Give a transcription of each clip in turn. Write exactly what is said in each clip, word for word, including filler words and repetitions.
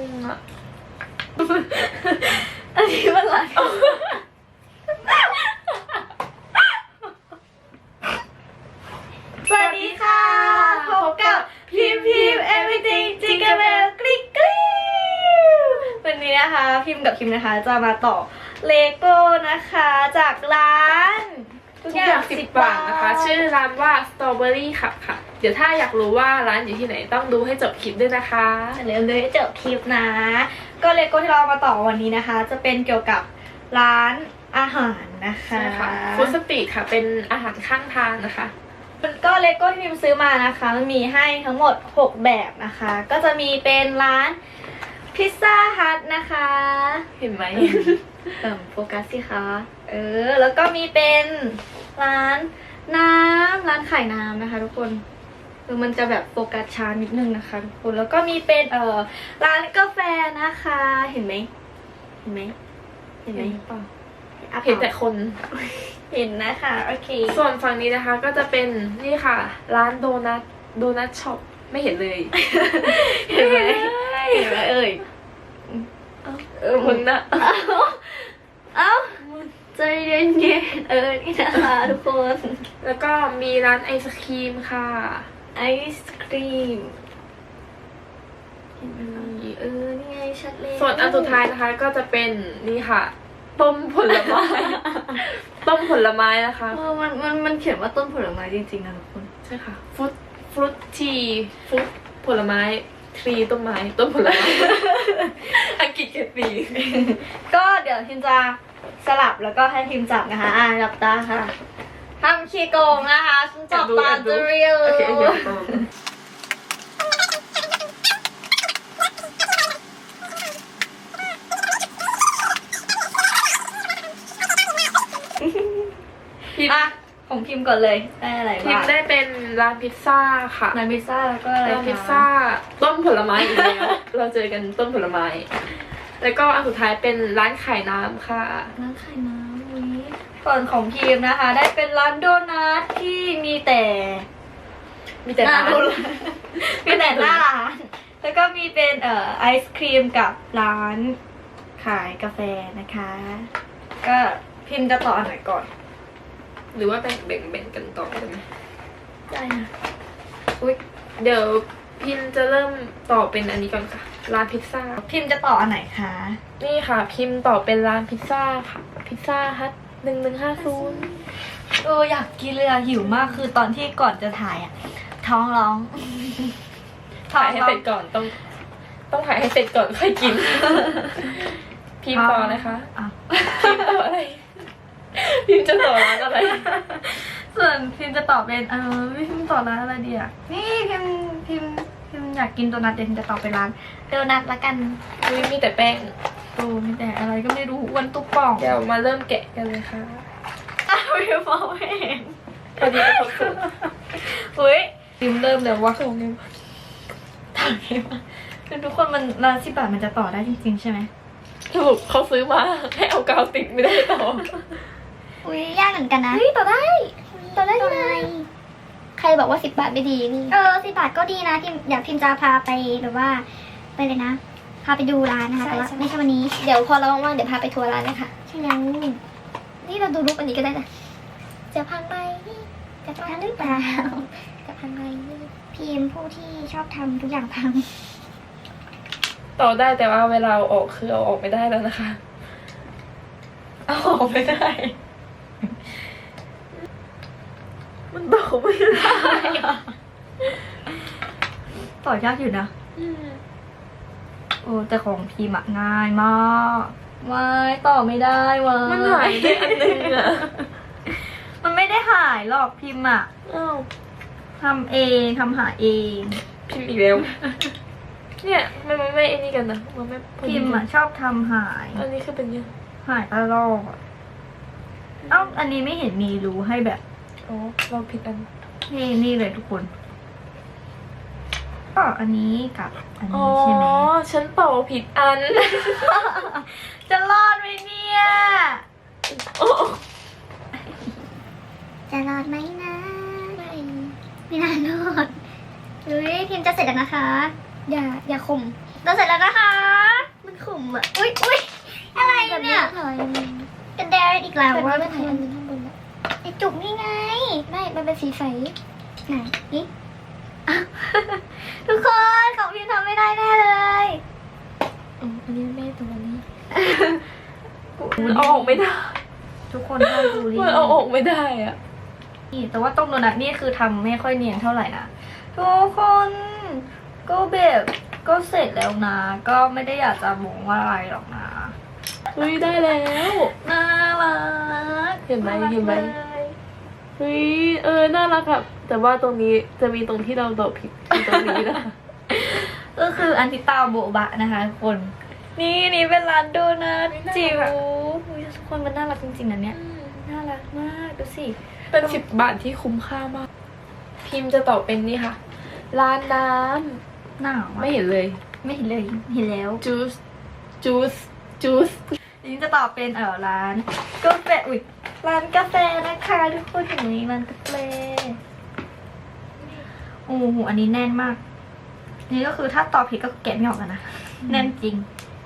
งอะอันนี้มันอะไรสวัสดีค่ะพบกับพิมพิม everything jingle bell กริ๊กกริ๊ววันนี้นะคะพิมกับพิมนะคะจะมาต่อเลโก้นะคะจากร้านทุกอย่างสิบบาทนะคะชื่อร้านว่า Strawberry ค่ะค่ะเดี๋ยวถ้าอยากรู้ว่าร้านอยู่ที่ไหนต้องดูให้จบคลิปด้วยนะคะเริ่มเลยให้จบคลิปนะก็เลโก้ที่เรามาต่อวันนี้นะคะจะเป็นเกี่ยวกับร้านอาหารนะคะใช่ค่ะฟู้ดสตรีทค่ะเป็นอาหารข้างทางนะคะก็เลโก้ที่พิมซื้อมานะคะมันมีให้ทั้งหมดหกแบบนะคะก็จะมีเป็นร้านพิซซ่าฮัทนะคะเห็นไหมเติมโฟกัสสิคะเออแล้วก็มีเป็นร้านน้ำร้านขายน้ำนะคะทุกคนคือมันจะแบบโฟกัสช้านิดนึงนะคะทุกคนแล้วก็มีเป็นเอ่อร้านกาแฟนะคะเห็นไหมเห็นไหมเห็นไหมเปล่าเห็นแต่คนเห็นนะคะโอเคส่วนฝั่งนี้นะคะก็จะเป็นนี่ค่ะร้านโดนัทโดนัทช็อปไม่เห็นเลยเห็นไหมเห็นไหมเอ่ยเออมึงนะเอ้าใจเย็นเย็นเออนี่นะคะทุกคนแล้วก็มีร้านไอศครีมค่ะไอศครีมเห็นไหมเออนี่ไงชัดเลยส่วนอันสุดท้ายนะคะก็จะเป็นนี่ค่ะต้มผลไม้ต้มผลไม้นะคะเออมันมันมันเขียนว่าต้มผลไม้จริงๆนะทุกคนใช่ค่ะฟรุตฟรุตทีฟรุตผลไม้ทรีต้นไม้ต้นผลไม้อังกฤษเกตีก็เดี๋ยวทิมจะสลับแล้วก็ให้ทิมจับนะคะอ่าจับตาค่ะทำขี้โกงนะคะฉันจับตาจะเรียวพิมพ์ของพิมพ์ก่อนเลยได้อะไรบ้างพิมพ์ได้เป็นร้านพิซซ่าค่ะร้านพิซซ่าแล้วก็อะไรร้านพิซซ่าต้นผลไม้อีกแล้วเราเจอกันต้นผลไม้แล้วก็อันสุดท้ายเป็นร้านขายน้ำค่ะร้านขายน้ำนี้ส่วนของพิมพ์นะคะได้เป็นร้านโดนัทที่มีแต่มีแต่ร้านมีแต่หน้าร้านแล้วก็มีเป็นเอ่อไอศครีมกับร้านขายกาแฟนะคะก็พิมพ์จะต่ออันไหนก่อนหรือว่าแบ่งแบ่งแบ่งกันต่อได้ไหมได้นะอุ้ยเดี๋ยวพิมจะเริ่มต่อเป็นอันนี้ก่อนค่ะร้านพิซซ่าพิมจะต่ออันไหนคะนี่ค่ะพิมต่อเป็นร้านพิซซ่าค่ะพิซซ่าฮัทหนึ่งหนึ่งห้าศูนย์เอออยากกินเลยอะหิวมากคือตอนที่ก่อนจะถ่ายอะท้องร้องถ่ายให้เสร็จก่อนต้องต้องถ่ายให้เสร็จก่อนค่อยกินพิมต่อนะคะพิมต่ออะไรพิมจะต่อร้านอะไรส่วนพิมจะตอบเป็นเออพิมต่อร้านอะไรดีอ่ะนี่พิมพิมพิมอยากกินโดนัทเดี๋ยวพิมจะตอบเป็นร้านโดนัทละกันมีแต่แป้งโอ้มีแต่อะไรก็ไม่รู้อ้วนตุ๊บป่องเดี๋ยวมาเริ่มแกะกันเลยค่ะอ้าวพิมมองไม่เห็นพอดีไปครบสูตรเฮ้ยพิมเริ่มแล้วว่าของพิมถามพิมคือทุกคนมันร้านสิบบาทมันจะต่อได้จริงๆใช่ไหมสรุปเขาซื้อมาให้เอากาวติดไม่ได้ต่ออุ้ยยากเหมือนกันนะเฮ้ยต่อได้ต่อได้ยังไงใครบอกว่าสิบบาทไม่ดีนี่เออสิบบาทก็ดีนะพิมอยากพิมจะพาไปแบบว่าไปเลยนะพาไปดูร้านนะคะแต่ว่าไม่ใช่วันนี้เดี๋ยวพอเราว่างๆเดี๋ยวพาไปทัวร์ร้านเลยค่ะใช่แล้วนี่เราดูรูปอันนี้ก็ได้นะจะพังไปจะพังหรือเปล่าจะพังไปพิมผู้ที่ชอบทำทุกอย่างพังต่อได้แต่ว่าเวลาเอาออกคือเอาออกไม่ได้แล้วนะคะเอาออกไม่ได้มันต่อไม่ได้ต่อยากอยู่นะโอ้แต่ของพิมพ์ง่ายมากไม่ต่อไม่ได้วะมันหายไปอันนึงอะมันไม่ได้หายหรอกพิมพ์อะทำเองทำหาเองพิมพ์อีกแล้วเนี่ยมันไม่ไอ้นี่กันนะมันไม่พิมพ์อะชอบทำหายอันนี้คือเป็นยังหายตลอดเอ้าอันนี้ไม่เห็นมีรูให้แบบอ๋อเราผิดอันนี่นี่เลยทุกคนก็อันนี้กับอันนี้ใช่ไหมอ๋อฉันต่อผิดอันจะรอดไหมเนี่ยจะรอดไหมนะไม่น่ารอดเฮ้ยพิมจะเสร็จแล้วนะคะอย่าอย่าข่มเราเสร็จแล้วนะคะ มันขุ่มอ่ะ อุ้ยอุ้ยอะไรเนี่ยกระเดรอีกแล้วว่าไม่ถ่ายอันนี้ข้างบนอะไอจุกนี่ไง ไม่ มันเป็นสีใสไหนนี่อ่ะทุกคนของพิมทำไม่ได้แน่เลยอ๋ออันนี้ไม่ตรงนี้มันเอาออกไม่ได้ทุกคนห้ามบูลลี่มันเอาออกไม่ได้อะนี่แต่ว่าตรงโดนัทนี่คือทำไม่ค่อยเนียนเท่าไหร่นะทุกคนก็แบบก็เสร็จแล้วนะ ก็ไม่ได้อยากจะมองว่าอะไรหรอกนะเฮ้ยได้แล้วน่ารักเห็นไหมารักเห็นไหมลยเฮ้ยเออน่ารักอะแต่ว่าตรงนี้จะมีตรงที่เราตอบผิดตรงนี้นะก็คืออันติตาโบบะนะคะทุกคน นี่นี่เป็นร้านโดนัทจิ๋วอุ๊ยทุกคนมันน่ารักจริงๆนะเนี่ยน่ารักมากดูสิเป็นสิบบาทที่คุ้มค่ามาก พิมพ์จะตอบเป็นนี่ค่ะ ร้านน้หนาวำอะไม่เห็นเลยไม่เห็นเลยเห็นแล้วจูสจูสจูสอันนี้จะตอบเป็นเออร้านกาแฟอุ้ยร้านกาแฟนะคะทุกคนอย่างนี้ร้านกาแฟโอ้โหอันนี้แน่นมากอันนี้ก็คือถ้าตอบผิดก็แกะไม่ออกกันนะแน่นจริง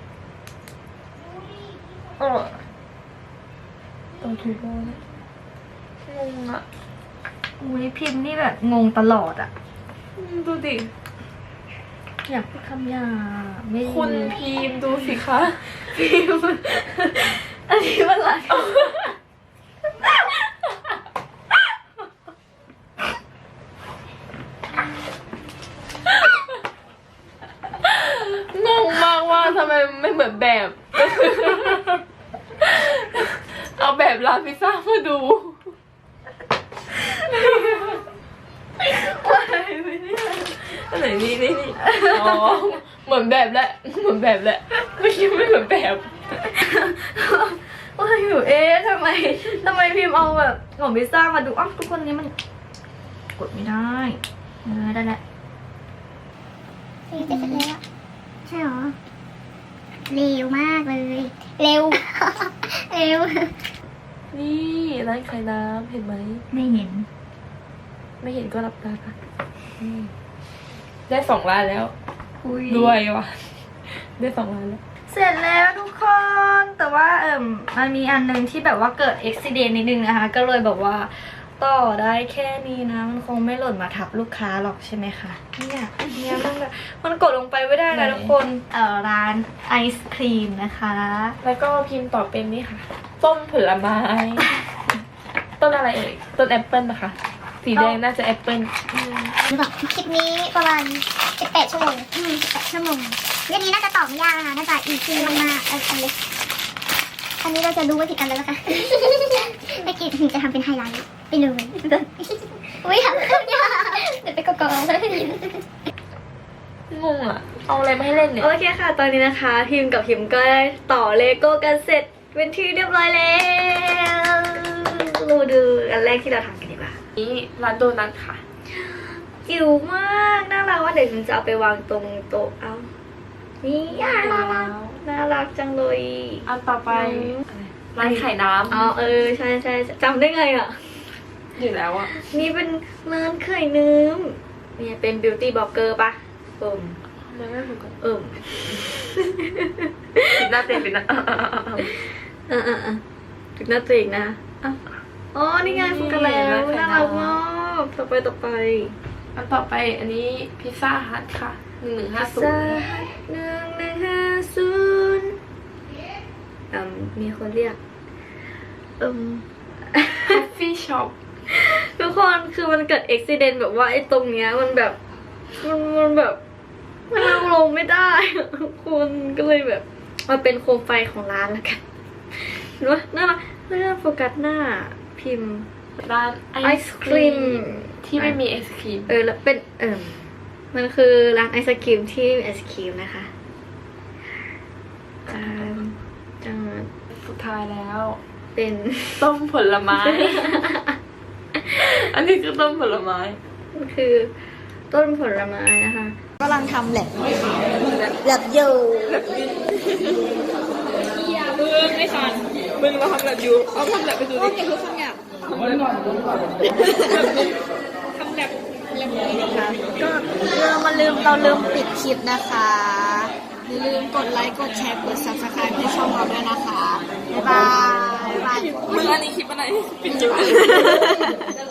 โอ้ตรงถูกแล้วนะงงอะโหพิมพ์นี่แบบงงตลอดอ่ะอืมดูดิอยากพูดคำหยาบไม่คุณพิมพ์ดูสิคะพิมพ์อันนี้มันอะไรงงมากว่าทำไมไม่เหมือนแบบ เอาแบบร้านพิซซ่ามาดู อันไหนนี่นี่นี่อ๋อ เหมือนแบบแหละ เหมือนแบบแหละ ไม่คิดไม่เหมือนแบบว่าอยู่เอ๊ะทำไมทำไมพิมพ์เอาแบบของพิซซ่ามาดูอ้าวทุกคนนี้มันกดไม่ได้เออได้แล้วนี่จะเสร็จแล้วใช่หรอ เร็วมากเลย เร็ว เร็วนี่ร้านขายน้ำเห็นไหมไม่เห็นไม่เห็นก็รับตาค่ะอืมได้สองร้านแล้วคุยรวยว่ะ ได้สองร้านแล้วเสร็จแล้วทุกคนแต่ว่าเอ่มมันมีอันนึงที่แบบว่าเกิดอุบิเหตุนิดนึงนะคะ ก็เลยแบบว่าต่อได้แค่นี้นะ มันคงไม่หล่นมาทับลูกค้าหรอกใช่ไหมคะเนี่ยเนี่ยมันแบบมันกดลงไปไม่ได้นะทุกคนเอ่อร้านไอศครีมนะคะแล้วก็พิมพ์ต่อเป็นนี่ค่ะ ต้นผลไม้ ต้นอะไรเอ่ย ต้นแอปเปิลนะคะ สีแดงน่าจะแอปเปิลหรือเปล่าคลิปนี้ประมาณสิบแปดชั่วโมงอืมสิบแปดชั่วโมงเรื่องนี้น่าจะตอบไม่ยากนะคะน่าจะอีกทีมากๆเอออันเล็กอันนี้เราจะรู้ว่าผิดอันแล้วนะคะ ไม่กี่ถึงจะทำเป็นไฮไลท์ไปเลยอุ้ยทำขึ้นยากเดี๋ยวไปกอกๆแล้วได้ยินงงอ่ะ เอาอะไรมาให้เล่นเนี่ยโอเคค่ะ ตอนนี้นะคะพิมพ์กับพิมพ์ก็ได้ต่อเลโก้กันเสร็จเป็นที่เรียบร้อยแล้วเราดูอันแรกที่เราทำกันดีกว่านี่ร้านโดนัทค่ะจิ๋วมากน่ารักว่าเดี๋ยวพิมจะเอาไปวางตรงโต๊ะเอานี่น่ารักน่ารักจังเลยอันต่อไปร้านไข่น้อ๋อเออใช่ใช่จำได้ไงอ่ะำอยู่แล้วอ่ะนี่เป็นร้านไข่น้ำเนี่ยเป็นบิวตี้บล็อกเกอร์ปะเอิ่มมันไม่ถูกกันเอิ่มปิดหน้าเต็มปิดหน้าอ่ะอ่ะอ่ะถึงหน้าตัวเองนะอ่ะอ๋อนี่ไงฝึกกันแล้วน่ารักมากต่อไปต่อไปอันต่อไปอันนี้พิซซ่าฮัทค่ะหนึ่งหนึ่งห้าศูนซ่าย์หนึ่งหนึ่งห้าศูนย์อืมมีคนเรียกอืมคอฟฟี่ช็อปทุกคนคือมันเกิดอุบิเหตุแบบว่าไอ้ตรงเนี้ยมันแบบมันมันแบบมันลงไม่ได้อะทุกคนก็เลยแบบมาเป็นโคมไฟของร้านแล้วกันเห็นปะน่ารักน่าโฟกัสหน้าพิมพ์ร้านไอศครีมที่ไม่มีไอศครีมเออแล้วเป็นเออมันคือร้านไอศครีมที่มีไอศครีมนะคะจานจานสุดท้ายแล้วเป็นต้มผลไม้ อันนี้คือต้มผลไม้มันคือต้นผลไม้นะคะกำลังทำแลบแลบอยู่มึงไม่ทันมึงมาทำแบบอยู่เอาทำแบบไปดูดินี่คือคำหยาบทำแบบแบบก็เรามาลืมเราลืมปิดคลิปนะคะอย่าลืมกดไลค์กดแชร์กด ซับสไครบ์ ให้ช่องเราด้วยนะคะบ๊ายบายมึงอันนี้คลิปอะไรปิดคลิป